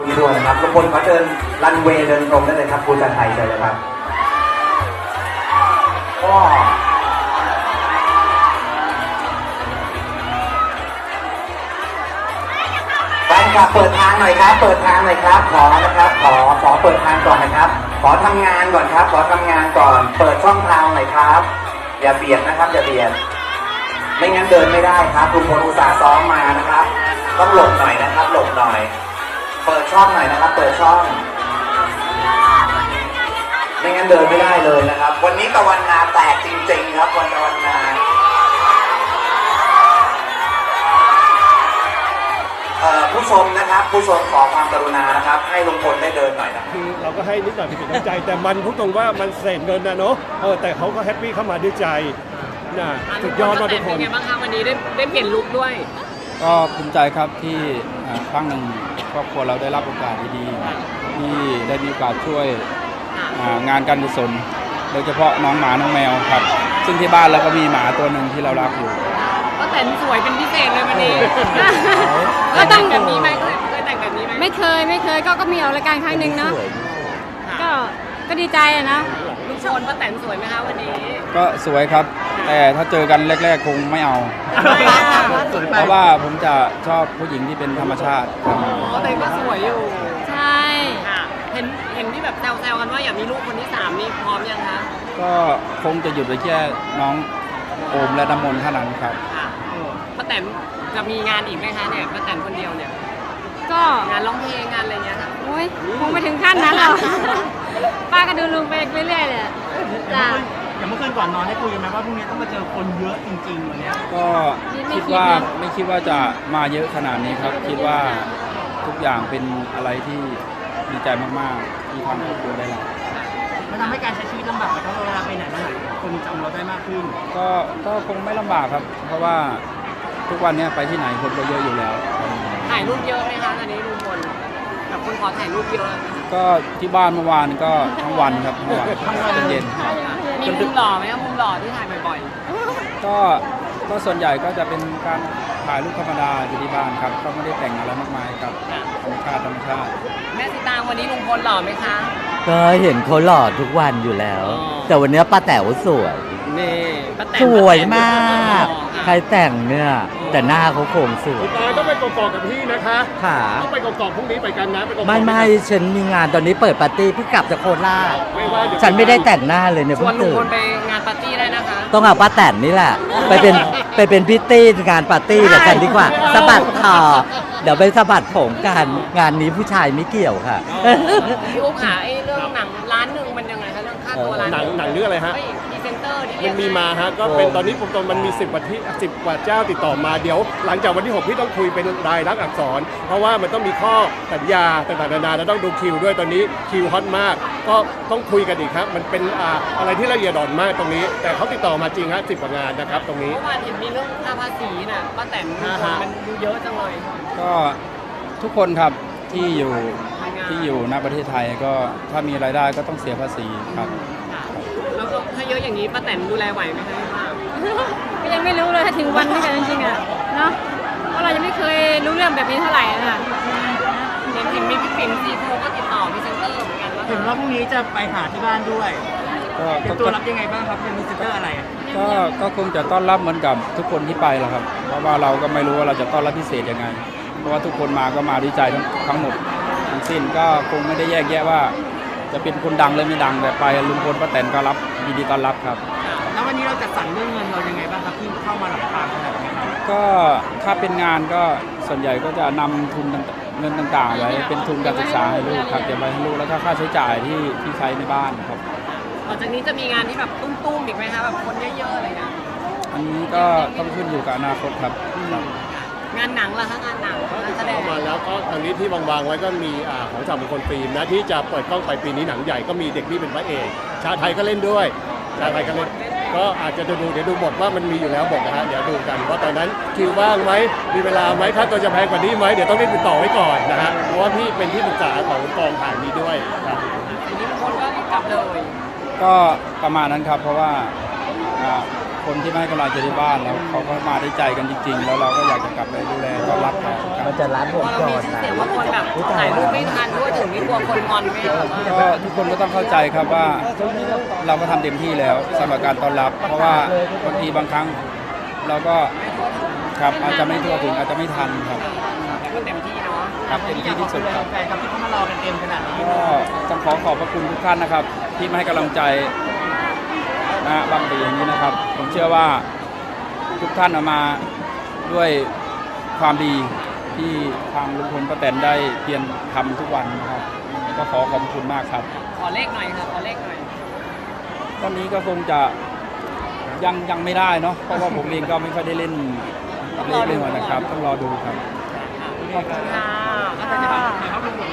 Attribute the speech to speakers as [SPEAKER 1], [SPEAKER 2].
[SPEAKER 1] ด้วยนะครับทุกคนเขาเดินรันเวย์เดินตรงได้เลยครับคุณจันไทยเชิญเลยครับก็แฟนคลับเปิดทางหน่อยครับเปิดทางหน่อยครับขอนะครับขอเปิดทางก่อนนะครับขอทำงานก่อนครับขอทำงานก่อนเปิดช่องทางหน่อยครับอย่าเบียดนะครับอย่าเบียดไม่งั้นเดินไม่ได้ครับทุกคนอุตส่าห์ซ้อมมานะครับต้องหลบหน่อยนะครับหลบหน่อยเปิดช่องหน่อยนะครับเปิดช่องไม่งั้นเดินไม่ได้เลยนะครับวันนี้ตะวันนาแตกจริงๆครับวันตะวันนาผู้ชมนะครับผู้ชมขอความกรุณานะครับให้ลุงพลได้เดินหน่อยนะ
[SPEAKER 2] คือเราก็ให้นิดหน่อยเป็นน้ำใจแต่มันพูดตรงว่ามันเศษเงินนะเนาะแต่เขาก็แฮปปี้เข้ามาด้วยใจนะสุดยอดมากทุกคน
[SPEAKER 3] เป็นไงบ้างคะวันนี้ได้เปลี่ยนลุคด้วย
[SPEAKER 4] ก็ภูมิใจครับที่ครั้งหนึ่งครอบครัวเราได้รับโอกาสดีๆที่ได้มีโอกาสช่วยงานการกุศลโดยเฉพาะน้องหมาน้องแมวครับซึ่งที่บ้านเราก็มีหมาตัวหนึ่งที่เรารักอยู่
[SPEAKER 3] ก็แต่งสวยเป็นพิเศษเลยวันนี้ก็แต่งแบบนี้ไหมเคยแต่งแบบนี้ไหม
[SPEAKER 5] ไม่เคยก็มีออกรายการครั้งหนึ่งเนาะก็ดีใจอะนะ
[SPEAKER 3] ลุงพลป้าแตนสวยไหมคะวันนี้
[SPEAKER 4] ก็สวยครับแต่ถ้าเจอกันแรกๆคงไม่เอาเพราะว่าผมจะชอบผู้หญิงที่เป็นธรรมชาติ
[SPEAKER 3] แต่ก็สวยอยู่
[SPEAKER 5] ใช่
[SPEAKER 3] เห็นที่แบบแซวกันว่าอยากมีลูกคนที่3นี่พร้อมยังคะ
[SPEAKER 4] ก็คงจะหยุดไว้แค่น้องโอมและน้ำมนต์เท่านั้นครับ
[SPEAKER 3] ป้าแตนจะมีงานอีกไหมคะเนี่ยป้าแตนคนเดียวเนี่ย
[SPEAKER 5] ก็
[SPEAKER 3] งานร้องเพลงงานอะไรเงี้ยค่ะ
[SPEAKER 5] โอ้ยคงไปถึงขั้นนั้นหรอกป้าก็ดูลุงไปเรื่อยๆเลยจ้ะ
[SPEAKER 6] อย่างเมื่อคืนก่อนนอนได้คุยกันไหมว่าพรุ่งนี้ต้องมาเจอคนเยอะจริงๆวันนี้
[SPEAKER 4] ก็ไม่คิดว่าจะมาเยอะขนาดนี้ครับคิดว่าทุกอย่างเป็นอะไรที่ดีใจมากๆที่ทำครอบครัวได้รับ
[SPEAKER 6] มันทำให้การใช้ชีวิตลำบากไหมเพราะเวลาไปไหนมาไหนคนจำเราได้มากขึ้น
[SPEAKER 4] ก็คงไม่ลำบากครับเพราะว่าทุกวันนี้ไปที่ไหนคนก็เยอะอยู่แล้ว
[SPEAKER 3] ถ่ายรูปเยอะไหมคะตอนนี้ลุงพลกับคนขอถ่ายรูปเยอะ
[SPEAKER 4] ก็ที่บ้านเมื่อวานก็ทั้งวันครับทั้งวันจนเย็น
[SPEAKER 3] มีมุมหล่อไหมครับมุมหล่อที่ถ่ายบ่อย
[SPEAKER 4] ๆก็ส่วนใหญ่ก็จะเป็นการถ่ายรูปธรรมดาอยู่ที่บ้านครับก็ไม่ได้แต่งอะไรมากมายครับธรรมชาติ
[SPEAKER 3] แม่สิตางวันนี้ลุงพลหล่อไหมคะ
[SPEAKER 7] ก็เห็นเขาหล่อทุกวันอยู่แล้ว แต่วันนี้ป้าแต๋วสวย
[SPEAKER 3] นี่
[SPEAKER 7] สวยมากใครแต่งเนี่ยแต่หน้าเขาโครงสวย
[SPEAKER 2] ต้องไปกอกกับพี่นะคะ
[SPEAKER 7] ค่ะ
[SPEAKER 2] ต้องไปกอกพรุ่งนี้ไปกันนะ
[SPEAKER 7] ไม่ฉันมีงานตอนนี้เปิดปาร์ตี้เพิ่งกลับจากโคราชฉันไม่ได้แต่งหน้าเลยเนี่ย
[SPEAKER 3] ชวนลุงพลไปงานปาร์ตี้ได้นะคะ
[SPEAKER 7] ต้องเอาป้าแตนนี่แหละไปเป็นพิตตี้งานปาร์ตี้กับฉันดีกว่าสะบัดคอเดี๋ยวไปสะบัดผมกันงานนี้ผู้ชายไม่เกี่ยวค่ะ
[SPEAKER 3] พี่อุ๊บค่ะเรื่องหนังล้านหนึ่งมันยังไงคะเรื่องค่าตัวล้าน
[SPEAKER 2] หนังเรื่องอะไรฮะ
[SPEAKER 3] พรีเซนเตอร์
[SPEAKER 2] มันมีมาฮะก็เป็นตอนนี้ผมมันมี10กว่าเจ้าติดต่อมาเดี๋ยวหลังจากวันที่6พี่ต้องคุยเป็นรายลักษณ์อักษรเพราะว่ามันต้องมีข้อสัญญาต่างๆนานาแล้วต้องดูคิวด้วยตอนนี้คิวฮอตมากก็ต้องคุยกันอีกครับมันเป็นอะไรที่ละเอียดอ่อนมากตรงนี้แต่เขาติดต่อมาจริงฮะ10 กว่างานนะครับตรงนี้
[SPEAKER 3] เมื่อวานเห็นมีเรื่องค่าภาษีน่ะป้าแตนมันดูเยอะจังเลย
[SPEAKER 4] ก็ทุกคนครับที่อยู่ณประเทศไทยก็ถ้ามีรายได้ก็ต้องเสียภาษีครับ
[SPEAKER 3] แล้วก็ถ้าเยอะอย่างนี้ป้าแตนดูแลไหวไหมคะป้า
[SPEAKER 5] ก็ยังไม่รู้เลยถ้าถึงวันนี้กันจริงๆอ่ะเนาะเพราะเรายังไม่เคยรู้เรื่องแบบนี้เท่าไหร่ค่ะ
[SPEAKER 3] เห็นมีพี่ปิ่นซีโฟก็ติดต่อพรีเซนเตอร์เหมือนกัน
[SPEAKER 6] เห็นว่าพรุ่งนี้จะไปหาที่บ้านด้วยเป็นตัวรับยังไงบ้างครับเป็นพรีเซนเตอร์อะไร
[SPEAKER 4] ก็คงจะต้อนรับเหมือนกับทุกคนที่ไปแหละครับเพราะว่าเราก็ไม่รู้ว่าเราจะต้อนรับพิเศษยังไงเพราะว่าทุกคนมาก็มาด้วยใจทั้งหมดทั้งสิ้นก็คงไม่ได้แยกแยะว่าจะเป็นคนดังหรือไม่ดังแต่ไปลุงพลป้าแตนก็รับยินดีต้อนรับครับ
[SPEAKER 6] แล้ววันนี้เราจะสั่งเรื่องเงินเรายังไงบ้างครับที่เข้ามาหลังทางขนาดนี้
[SPEAKER 4] ก็ถ้าเป็นงานก็ส่วนใหญ่ก็จะนำทุนเงินต่างๆไว้เป็นทุนการศึกษาให้ลูกครับเก็บไว้ให้ลูกแล้วก็ค่าใช้จ่ายที่ใช้ในบ้านครับ
[SPEAKER 3] หลังจากนี้จะมีงานที่แบบตุ้มๆอีกไหมคะแบบคนเยอะๆอะไรเงี้ย
[SPEAKER 4] อันนี้ก็ต้องขึ้นอยู่กับอนาคตครับ
[SPEAKER 3] งานหนังล่ะคะงานหนัง
[SPEAKER 2] แสดงมาแล้วก็ตอนนี้ที่วางไว้ก็มีของจากมงคลฟิล์มนะที่จะเปิดกล้องไปปีนี้หนังใหญ่ก็มีเด็กที่เป็นพระเอกชาไทยก็เล่นด้วยชาไทยก็เล่นก็อาจจะเดี๋ยวดูบทว่ามันมีอยู่แล้วบทนะฮะเดี๋ยวดูกันว่าตอนนั้นคิวว่างไหมมีเวลาไหมถ้าตัวจะแพงกว่านี้ไหมเดี๋ยวต้องรีบติดต่อไว้ก่อนนะฮะเพราะว่าพี่เป็นที่ปรึกษาของกองถ่ายนี้ด้วยครับ
[SPEAKER 3] ทีนี้ทุกคนก็รีบกลับเลย
[SPEAKER 4] ก็ประมาณนั้นครับเพราะว่าคนที่ไม่ให้กำลังใจที่บ้านแล้วเขาก็มาได้ใจกันจริง ๆ แล้วเราก็อยากจะกลับไปดูแลต้อนรับเขาครับ
[SPEAKER 7] มันจะรัดวง
[SPEAKER 3] เรา
[SPEAKER 7] จ
[SPEAKER 3] มี
[SPEAKER 7] ร
[SPEAKER 3] ชื่อ
[SPEAKER 7] นะ
[SPEAKER 3] เสียงว่าคนแบบถ่ายรูปไม่ทันด้วยถึงไม่กลัวคนงอนไหมคะ
[SPEAKER 4] ก็ทุกคนก็ต้องเข้าใจครับว่าเราก็ทำเต็มที่แล้วสำหรับการต้อนรับ เพราะว่าบางทีบางครั้งเราก็ครับอาจจะไม่ทั่วถึงอาจจะไม่ทันครับ
[SPEAKER 3] แต่ก็เต็มที่เนาะ
[SPEAKER 4] ครับเต็มที่ที่สุดครับ
[SPEAKER 6] แฟนครับที่เขามารอกันเต็มขนาดนี้
[SPEAKER 4] ก็ต้องขอบพระคุณทุกท่านนะครับ ที่มาให้กำลังใจนะบางปีอย่างนี้นะครับ ผมเชื่อว่าทุกท่านเอามาด้วยความดีที่ทางลุงพลป้าแตนได้เพียรทำทุกวันนะครับก็ขอบคุณมากครับ
[SPEAKER 3] ขอเลขหน่อยค่ะขอเลขหน่อย
[SPEAKER 4] วันนี้ก็คงจะยังไม่ได้เนาะเพราะว่าผมเองก็ไม่ค่อยได้เล่นเลขเลยนะครับต้องรอดูครับ
[SPEAKER 3] ขอบคุณค่ะ
[SPEAKER 6] ถ่ายภาพรวม